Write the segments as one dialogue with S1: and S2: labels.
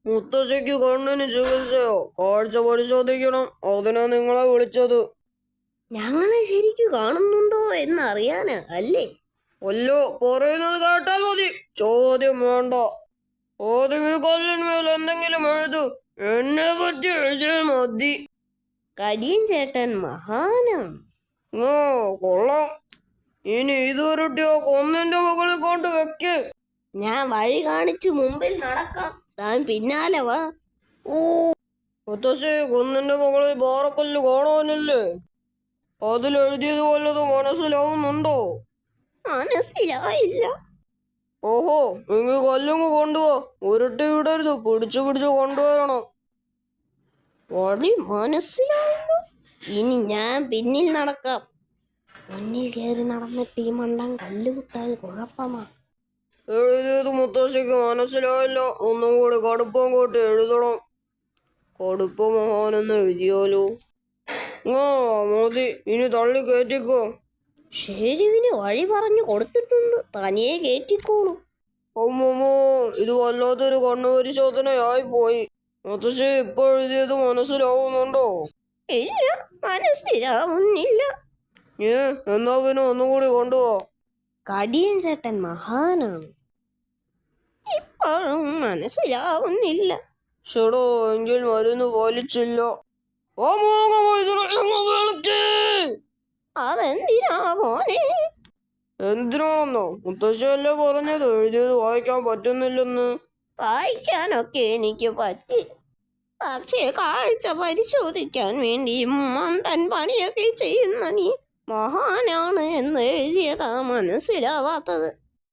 S1: മുത്തശ്ശിക്ക് കണ്ണിന് ചികിത്സയോ കാഴ്ച പരിശോധിക്കണം, അതിനാ നിങ്ങളെ വിളിച്ചത്.
S2: ഞങ്ങളെ ശരിക്കും കാണുന്നുണ്ടോ എന്നറിയാന് അല്ലേ?
S1: അല്ലോ, പറയുന്നത് കേട്ടാൽ മതി, ചോദ്യം വേണ്ട. ആദ്യം ഈ കല്ലിന്മേൽ എന്തെങ്കിലും എഴുതു. എന്നെ പറ്റി എഴുതിയാൽ മതി.
S2: കടിയൻ ചേട്ടൻ മഹാനാണ്.
S1: ഓ, കൊള്ളാം. ഇനി ഇതുരുട്ടിയോ കൊന്നിന്റെ മുകളിൽ കൊണ്ട് വെക്ക്.
S2: ഞാൻ വഴി കാണിച്ചു മുമ്പിൽ നടക്കാം, താൻ പിന്നാലെ വാ.
S1: ഓ, മുത്തശ്ശി, കുന്നിന്റെ മുകളിൽ പാറക്കല്ല് കാണാനില്ലേ? അതിലെഴുതിയത് വല്ലതും മനസ്സിലാവുന്നുണ്ടോ?
S2: മനസ്സിലായില്ല.
S1: ഓഹോ, എങ്കിൽ കല്ലുങ്ങ് കൊണ്ടുപോ. ഉരുട്ടി വിടരുത്, പിടിച്ചു പിടിച്ചു കൊണ്ടുവരണം.
S2: വഴി മനസ്സിലായില്ല. ഇനി ഞാൻ പിന്നിൽ നടക്കാം. മുന്നിൽ കയറി നടന്നിട്ട് ഈ മണ്ടൻ കല്ല് വിട്ടാൽ കുഴപ്പമാ.
S1: എഴുതിയത് മുത്തശ്ശിക്ക് മനസ്സിലായില്ല. ഒന്നും കൂടി കടുപ്പം കൂട്ടി എഴുതണം. കടുപ്പ മഹാനെന്ന് എഴുതിയാലോ? ആ, മതി. ഇനി തള്ളി കയറ്റിക്കോ.
S2: ഷേരുവിന് വഴി പറഞ്ഞു കൊടുത്തിട്ടുണ്ട്, തനിയെ കയറ്റിക്കോളൂ.
S1: അമ്മമ്മോ, ഇത് വല്ലാത്തൊരു കണ്ണുപരിശോധനയായി പോയി. മുത്തശ്ശി, ഇപ്പൊ എഴുതിയത് മനസ്സിലാവുന്നുണ്ടോ?
S2: ഇല്ല, മനസ്സിലാവുന്നില്ല.
S1: എന്നാ പിന്നെ ഒന്നുകൂടി കൊണ്ടുപോ.
S2: കടിയൻ ചേട്ടൻ മഹാനാണ്. ഇപ്പോഴും മനസ്സിലാവുന്നില്ല.
S1: ഷെടോ, എങ്കിൽ മരുന്ന് പാലിച്ചില്ല.
S2: അതെന്തിനാ മോനെ?
S1: എന്തിനാന്നോ? മുത്തശ്ശിയല്ലേ പറഞ്ഞത് എഴുതിയത് വായിക്കാൻ പറ്റുന്നില്ലെന്ന്.
S2: വായിക്കാനൊക്കെ എനിക്ക് പറ്റി, പക്ഷേ കാഴ്ച പരിശോധിക്കാൻ വേണ്ടി മണ്ടൻ പണിയൊക്കെ ചെയ്യുന്ന നീ മഹാനാണ് എന്ന് എഴുതിയതാ മനസ്സിലാവാത്തത്.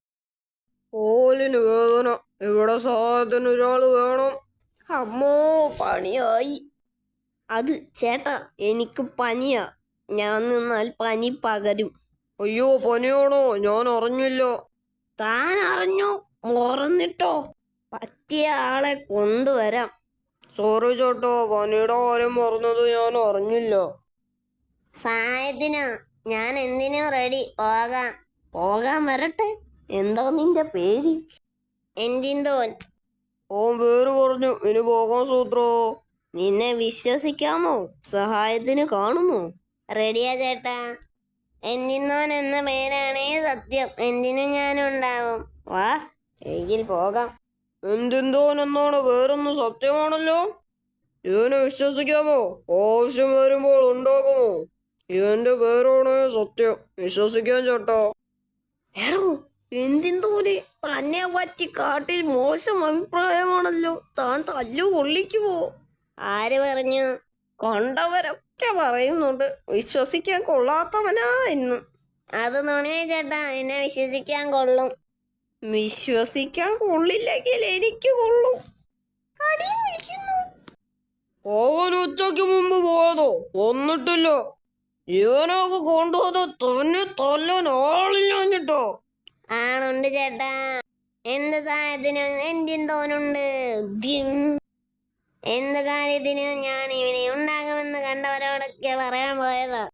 S1: ഓലിന് വേദന, ഇവിടെ സഹായത്തിന് ഒരാള് വേണം.
S2: അമ്മോ, പണിയായി. അത് ചേട്ടാ, എനിക്ക് പനിയാ. ഞാൻ നിന്നാൽ പനി പകരും.
S1: അയ്യോ, പനിയാണോ? ഞാൻ അറിഞ്ഞില്ല.
S2: താൻ അറിഞ്ഞു? മറന്നിട്ടോ? പറ്റിയ ആളെ കൊണ്ടുവരാം.
S1: സോറി ചേട്ടാ, പനിയുടെ കാര്യം പറഞ്ഞത് ഞാൻ അറിഞ്ഞില്ല.
S2: സായത്തിനാ, ഞാൻ എന്തിനും റെഡി. പോകാൻ വരട്ടെ. എന്താ നിന്റെ പേര്? എന്തിന്തോൻ.
S1: ഓൻ പേര് പറഞ്ഞു, ഇനി പോകാൻ സൂത്രോ.
S2: നിന്നെ വിശ്വസിക്കാമോ? സഹായത്തിന് കാണുമോ? റെഡിയാ ചേട്ടാ. എന്തിന്നോൻ എന്ന പേരാണേ സത്യം. എന്തിനും ഞാനുണ്ടാവും. വാ, എങ്കിൽ പോകാം.
S1: എന്തിന്തോൻ എന്നാണ് പേരെന്ന് സത്യമാണല്ലോ. ഇവനെ വിശ്വസിക്കാമോ? ആവശ്യം വരുമ്പോൾ ഉണ്ടാകുമോ? ഇവന്റെ പേരാണ് സത്യം. വിശ്വസിക്കാൻ ചേട്ടാ.
S2: എടോ, എന്തിന്തോനെ തന്നെ പറ്റി കാട്ടിൽ മോശം അഭിപ്രായമാണല്ലോ. താൻ തല്ലു കൊള്ളിക്കുമോ? ആര് പറഞ്ഞു? കൊണ്ടവരൊക്കെ പറയുന്നുണ്ട് വിശ്വസിക്കാൻ കൊള്ളാത്തവനാ എന്ന്. അത് നുണയാ ചേട്ടാ, എന്നെ വിശ്വസിക്കാൻ കൊള്ളും. വിശ്വസിക്കാൻ കൊള്ളില്ലെങ്കിൽ എനിക്ക് കൊള്ളും. കടിയും വിളിക്കുന്നു.
S1: അവൻ ഉച്ചയ്ക്ക് മുമ്പ് പോയതോ? വന്നിട്ടില്ല. ഇവനൊക്കെ കൊണ്ടുപോയത് തന്നെ തല്ലാൻ ആളില്ലാഞ്ഞിട്ടോ?
S2: ആണുണ്ട് ചേട്ടാ. എന്ത് സഹായത്തിനും എന്തിന്തോനുണ്ട്. എന്ത് കാര്യത്തിനും ഞാൻ ഇവനെ ഉണ്ടാകുമെന്ന് കണ്ടവരോടൊക്കെ പറയാൻ പോയതാ.